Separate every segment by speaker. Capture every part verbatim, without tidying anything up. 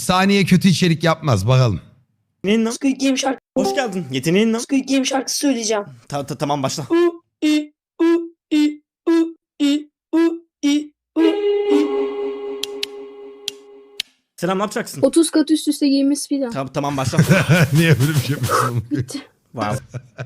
Speaker 1: Saniye kötü içerik yapmaz bakalım.
Speaker 2: Yeteneğin ne?
Speaker 3: Squid Game şarkı.
Speaker 2: Hoş geldin. Yeteneğin ne?
Speaker 3: Squid Game şarkısı söyleyeceğim.
Speaker 2: Ta ta tamam başla.
Speaker 3: U i u i u i u i u i.
Speaker 2: Selam, ne yapacaksın?
Speaker 4: otuz kat üst üste giymiş filan.
Speaker 2: Ta tamam başla.
Speaker 1: Niye böyle bir şey yapıyorsun?
Speaker 4: Bitti.
Speaker 2: Wow.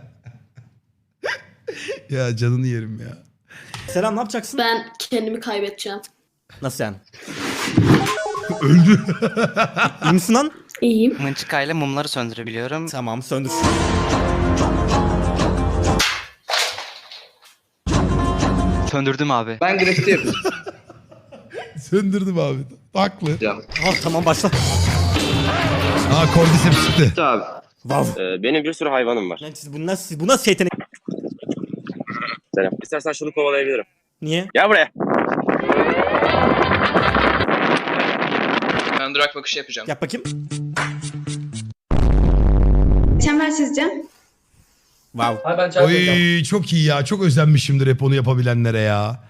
Speaker 1: Ya canını yerim ya.
Speaker 2: Selam, ne yapacaksın?
Speaker 4: Ben kendimi kaybedeceğim.
Speaker 2: Nasıl yani? Öldü. İyi misin lan?
Speaker 4: İyiyim.
Speaker 5: Mınçıkayla mumları söndürebiliyorum.
Speaker 2: Tamam, söndür.
Speaker 5: Söndürdüm abi.
Speaker 6: Ben grafiti yapıyorum.
Speaker 1: Söndürdüm abi. Haklı.
Speaker 2: Ah, tamam başla.
Speaker 1: Aa kordiseps çıktı.
Speaker 6: Abi.
Speaker 2: Wow.
Speaker 7: Ee, benim bir sürü hayvanım var.
Speaker 2: Lan siz- Bu nasıl, bu nasıl yetenek?
Speaker 7: Selam. İstersen şunu kovalayabilirim.
Speaker 2: Niye?
Speaker 7: Gel buraya.
Speaker 6: Ben durak bakışı yapacağım.
Speaker 2: Yap bakayım.
Speaker 8: Çember çizeceğim.
Speaker 2: Wow.
Speaker 6: Abi ben çay koyacağım.
Speaker 1: Oy çok iyi ya. Çok özenmişimdir hep onu yapabilenlere ya.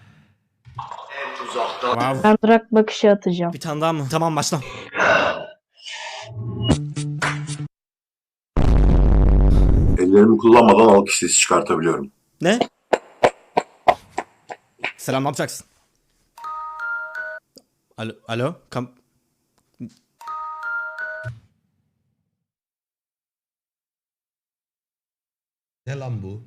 Speaker 2: Wow.
Speaker 9: Ben durak bakışı atacağım.
Speaker 2: Bir tane daha mı? Tamam başla.
Speaker 10: Ellerimi kullanmadan alkış sesi çıkartabiliyorum.
Speaker 2: Ne? Selam, ne yapacaksın? Alo, alo. Kam
Speaker 1: Ne lan bu?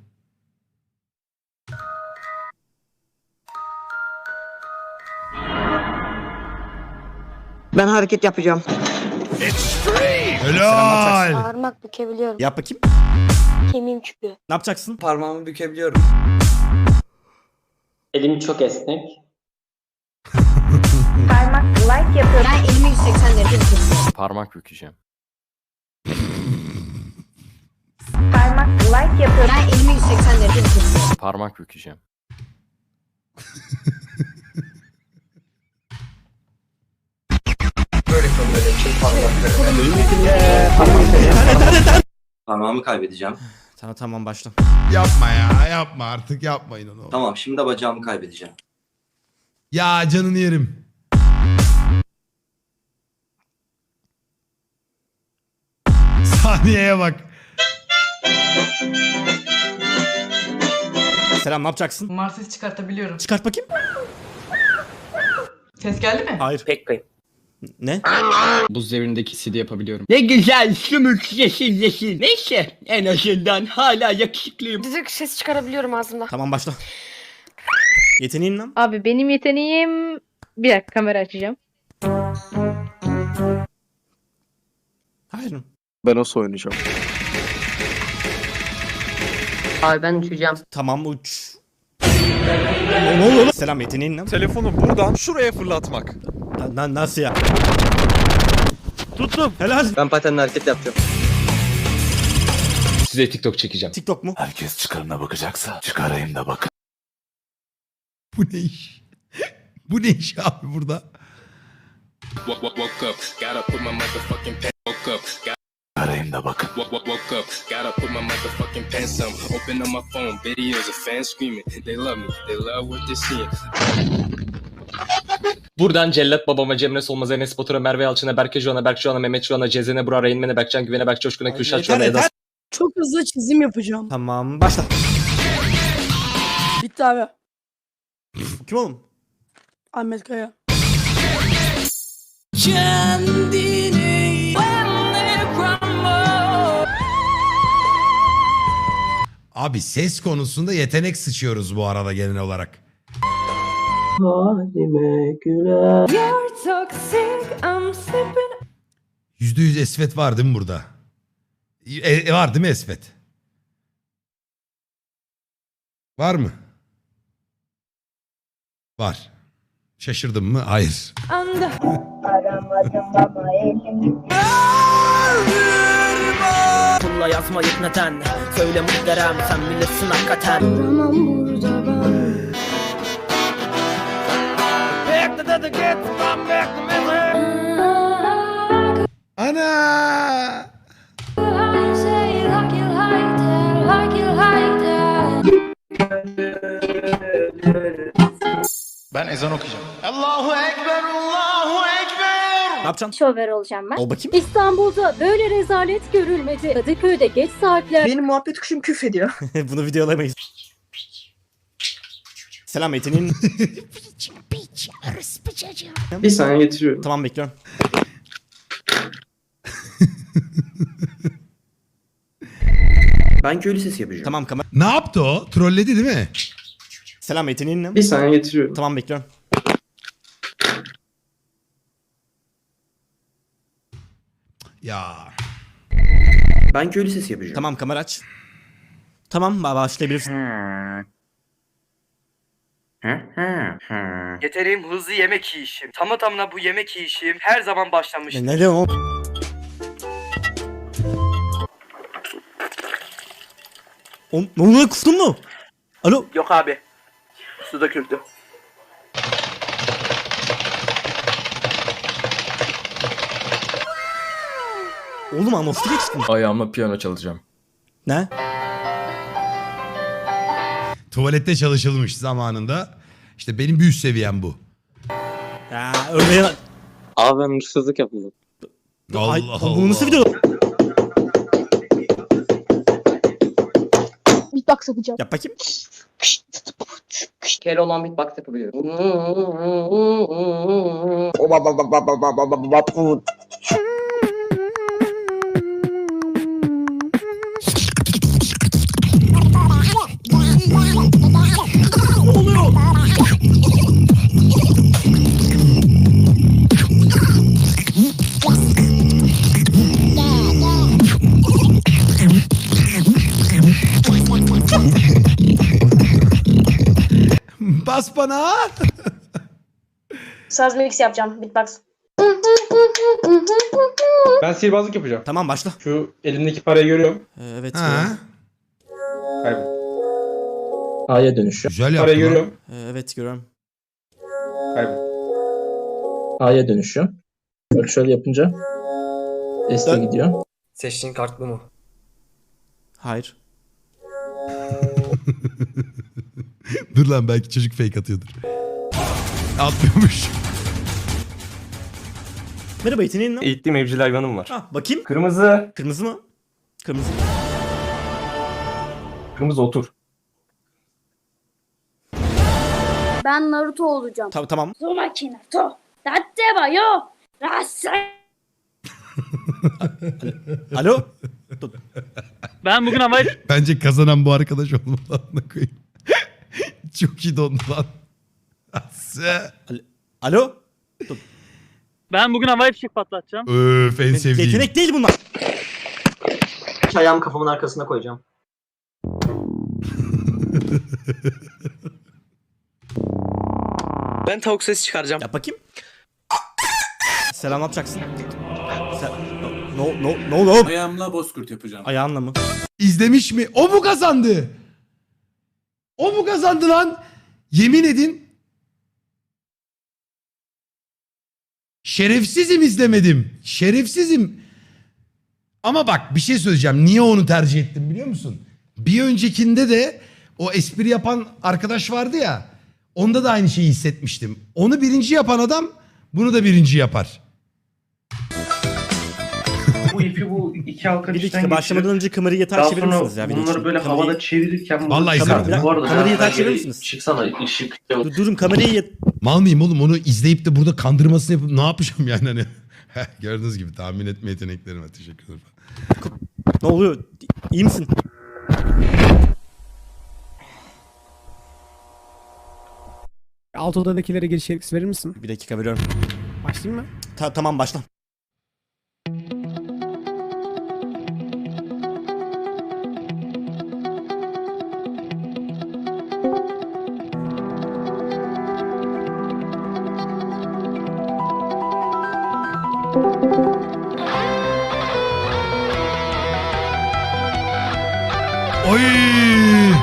Speaker 11: Ben hareket yapacağım.
Speaker 1: Helal.
Speaker 8: Parmak bükebiliyorum.
Speaker 2: Yap bakayım.
Speaker 8: Kemiğim çıkıyor.
Speaker 2: Ne yapacaksın?
Speaker 6: Parmağımı bükebiliyorum.
Speaker 7: Elim çok esnek.
Speaker 8: Parmak like yapıyorum. Ben elimi yüz seksen derece tutuyorum.
Speaker 5: Parmak bükeceğim.
Speaker 8: Parmak like yapıyorum. Ben elimi yüz seksen derece tutuyorum.
Speaker 5: Parmak bükeceğim.
Speaker 6: Böyle kalıyor. Çift
Speaker 10: Parmağımı kaybedeceğim.
Speaker 2: Tamam tamam başla.
Speaker 1: Yapma ya. Yapma artık yapmayın onu.
Speaker 10: Tamam şimdi de bacağımı kaybedeceğim.
Speaker 1: Ya canını yerim. Saniyeye bak.
Speaker 2: Selam, ne yapacaksın?
Speaker 11: Kumar sesi çıkartabiliyorum.
Speaker 2: Çıkart bakayım.
Speaker 11: Ses geldi mi?
Speaker 2: Hayır.
Speaker 7: Pek kayıp.
Speaker 2: Ne?
Speaker 6: Buz devrindeki C D yapabiliyorum.
Speaker 11: Ne güzel sümük yeşil yeşil. Neyse en azından hala yakışıklıyım.
Speaker 8: Düdük ses çıkarabiliyorum ağzımda.
Speaker 2: Tamam başla. Yeteneğin ne?
Speaker 9: Abi benim yeteneğim... Bir dakika kamera açacağım.
Speaker 2: Hayır.
Speaker 6: Ben o oynayacağım.
Speaker 11: Abi ben uçacağım.
Speaker 2: Tamam uç. Ne, ne oluyor lan? Selam, yeteneğin ne?
Speaker 12: Telefonu buradan şuraya fırlatmak.
Speaker 2: Na- na- nasıl ya? Tuttum. Helal.
Speaker 6: Ben patenle hareket yapacağım. Size TikTok çekeceğim.
Speaker 2: TikTok mu?
Speaker 12: Herkes çıkarına bakacaksa çıkarayım da bakın.
Speaker 1: Bu ne iş? Bu ne iş abi burada?
Speaker 12: Çıkarayım da bakın.
Speaker 6: Buradan Cellat babama, Cemre Solmaz'a, Enes Batur'a, Merve Yalçın'a, Berke Joğan'a, Berk Joğan'a, Mehmet Joğan'a, Cezene Burak'a, Reynmen'e, Berkcan Güven'e, Berk Coşkun'a,
Speaker 2: Ay,
Speaker 6: Kürşat
Speaker 2: yeter,
Speaker 6: Joğan'a,
Speaker 2: yeter.
Speaker 6: Eda
Speaker 3: Çok hızlı çizim yapacağım.
Speaker 2: Tamam başla.
Speaker 3: Bitti abi.
Speaker 2: Kim oğlum?
Speaker 3: Ahmet Kaya.
Speaker 1: Abi ses konusunda yetenek sıçıyoruz bu arada genel olarak. Yüzde yüz esvet var değil mi burada? E, e, var değil mi esvet? Var mı? Var. Şaşırdım mı? Hayır.
Speaker 11: Pulla yazmayıp neden? Söyle muhterem sen bilirsin hakikaten.
Speaker 4: Duramam burada ben.
Speaker 1: Ana!
Speaker 12: Ben ezan okuyacağım. Allahu Ekber, Allahu Ekber.
Speaker 2: Ne yapacaksın?
Speaker 8: Şover olacağım ben.
Speaker 2: Ol bakayım.
Speaker 8: İstanbul'da böyle rezalet görülmedi. Kadıköy'de geç saatler.
Speaker 3: Benim muhabbet kuşum küfrediyor.
Speaker 2: Bunu videolayamayız. Selam yeteneğin.
Speaker 3: Bir saniye getiriyorum.
Speaker 2: Tamam bekliyorum.
Speaker 3: Ben köylü sesi yapacağım.
Speaker 2: Tamam kamera.
Speaker 1: Ne yaptı o? Trolledi değil mi?
Speaker 2: Selam yeteneğin ne?
Speaker 3: Bir saniye getiriyorum.
Speaker 2: Tamam bekliyorum.
Speaker 1: Ya.
Speaker 3: Ben köylü sesi yapacağım.
Speaker 2: Tamam kamera aç. Tamam ba- başlayabilirsin.
Speaker 11: Yeteneğim hızlı yemek yiyişim. Tamı tamına bu yemek yiyişim her zaman başlamış.
Speaker 2: Ne, ne diyorsun oğlum? Oğlum ne oluyor, kustun mu? Alo.
Speaker 11: Yok abi. Su döküldü.
Speaker 2: Oğlum anonslu geçtin.
Speaker 5: Ayağımla piyano çalacağım.
Speaker 2: Ne?
Speaker 1: Tuvalette çalışılmış zamanında. İşte benim bir üst seviyem bu.
Speaker 2: Ya öyle ya.
Speaker 7: Abi ben hırsızlık yapıldı.
Speaker 1: Allah
Speaker 2: Ay,
Speaker 1: Allah.
Speaker 2: Bu nasıl video?
Speaker 4: Beatbox yapacağım.
Speaker 2: Yap bakayım.
Speaker 11: Kere olan beatbox yapabiliyorum.
Speaker 1: Bas bana.
Speaker 8: Saz mix yapacağım. Beatbox.
Speaker 3: Ben sihirbazlık yapacağım.
Speaker 2: Tamam başla.
Speaker 3: Şu elimdeki parayı görüyorum.
Speaker 2: Ee, evet.
Speaker 1: Ha.
Speaker 3: Kaybol.
Speaker 11: A'ya dönüşü.
Speaker 1: Güzel
Speaker 3: Parayı
Speaker 1: yaptın lan.
Speaker 3: görüyorum.
Speaker 2: Ee, evet görüyorum.
Speaker 3: Kaybol.
Speaker 11: A'ya dönüşü. Bak şöyle yapınca S'e
Speaker 2: Dön.
Speaker 11: gidiyor.
Speaker 3: Seçtiğin kartlı mı?
Speaker 2: Hayır.
Speaker 1: Dur lan belki çocuk fake atıyordur. Atmıyormuş.
Speaker 2: Merhaba yeteneğin ne?
Speaker 3: Eğittiğim evcil hayvanım var.
Speaker 2: Ha bakayım.
Speaker 3: Kırmızı.
Speaker 2: Kırmızı mı? Kırmızı.
Speaker 3: Kırmızı otur.
Speaker 8: Ben Naruto olacağım.
Speaker 2: Ta- tamam.
Speaker 8: Uzumaki Naruto. Datte wa yo. Rasai.
Speaker 2: Alo.
Speaker 11: Ben bugün havayı...
Speaker 1: Bence kazanan bu arkadaş olmalı. Anla koyayım. Çok iyi dondu lan. Asya.
Speaker 2: Alo.
Speaker 11: Ben bugün havai fişek patlatacağım.
Speaker 1: Öf en sevdiğim.
Speaker 2: Yetenek değil bunlar.
Speaker 11: Ayağımı kafamın arkasına koyacağım.
Speaker 3: Ben tavuk sesi çıkaracağım.
Speaker 2: Yap bakayım. Selam ne yapacaksın? Sen... No no no no.
Speaker 12: Ayağımla bozkurt yapacağım.
Speaker 2: Ayağınla mı?
Speaker 1: İzlemiş mi? O mu kazandı? O mu kazandı lan? Yemin edin. Şerefsizim izlemedim. Şerefsizim. Ama bak bir şey söyleyeceğim. Niye onu tercih ettim biliyor musun? Bir öncekinde de o espri yapan arkadaş vardı ya. Onda da aynı şeyi hissetmiştim. Onu birinci yapan adam bunu da birinci yapar.
Speaker 3: Bu ipi bu iki halka
Speaker 2: Bir dakika başlamadan önce kamerayı yatağa çevirir misiniz ya? Video için? Kamerayı-
Speaker 3: çevirirken...
Speaker 1: Vallahi
Speaker 2: Kamera-
Speaker 1: izlemedim.
Speaker 2: bir dakika, kamerayı yatağa çevirir misiniz?
Speaker 3: Çıksana ışık.
Speaker 2: Dur, durun kamerayı yat...
Speaker 1: Mal mıyım oğlum onu izleyip de burada kandırmasını yapıp ne yapacağım yani hani. Gördüğünüz gibi tahmin etme yeteneklerim var. Teşekkür ederim.
Speaker 2: Ne oluyor? İyi misin?
Speaker 3: Alt odadakilere giriş yetkisi verir misin?
Speaker 2: Bir dakika veriyorum.
Speaker 3: Başlayayım mı?
Speaker 2: Ta- tamam başla.
Speaker 1: Oy!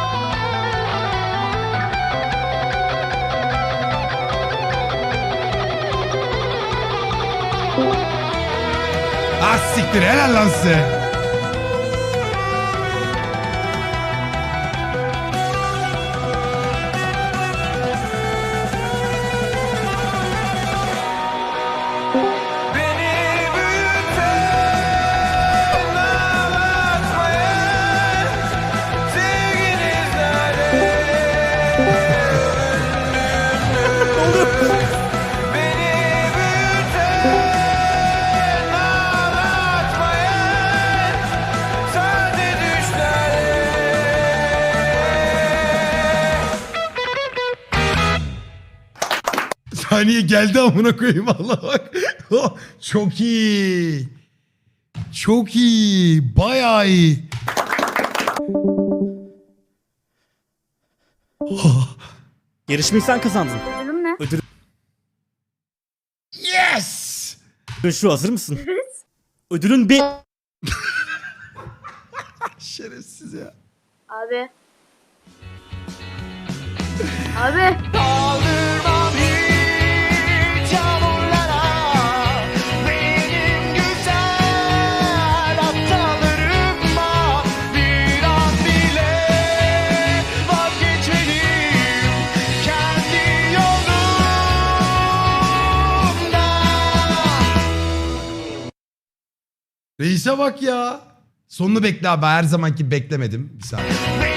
Speaker 1: Ah siktir helal lan size. saniye geldi amına koyayım Allah bak. Çok iyi. Çok iyi. Bayağı iyi.
Speaker 2: Yarışmayı sen kazandın.
Speaker 8: Ödülüm ne?
Speaker 2: Ödül
Speaker 1: Yes!
Speaker 2: şu, hazır mısın? Ödülün bir...
Speaker 1: Şerefsiz ya.
Speaker 8: Abi. Abi.
Speaker 1: Reis'e bak ya. Sonunu bekle abi. Her zamanki beklemedim. Bir saniye.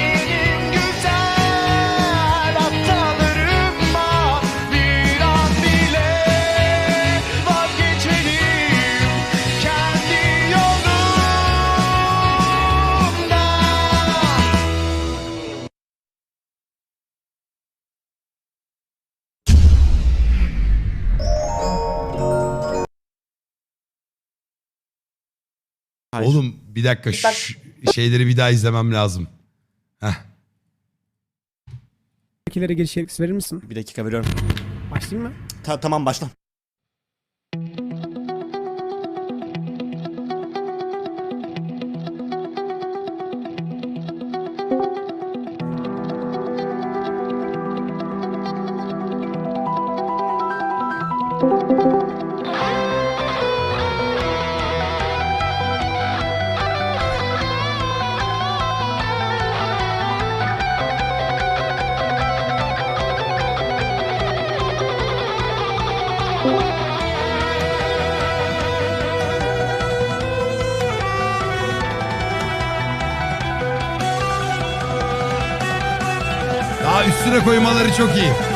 Speaker 2: Hayır.
Speaker 1: Oğlum bir dakika şu şeyleri bir daha izlemem lazım. Heh.
Speaker 3: Fakirlere giriş yetkisi verir misin?
Speaker 2: Bir dakika veriyorum.
Speaker 3: Başlayayım mı?
Speaker 2: Ta- tamam başla.
Speaker 1: Daha üstüne koymaları çok iyi.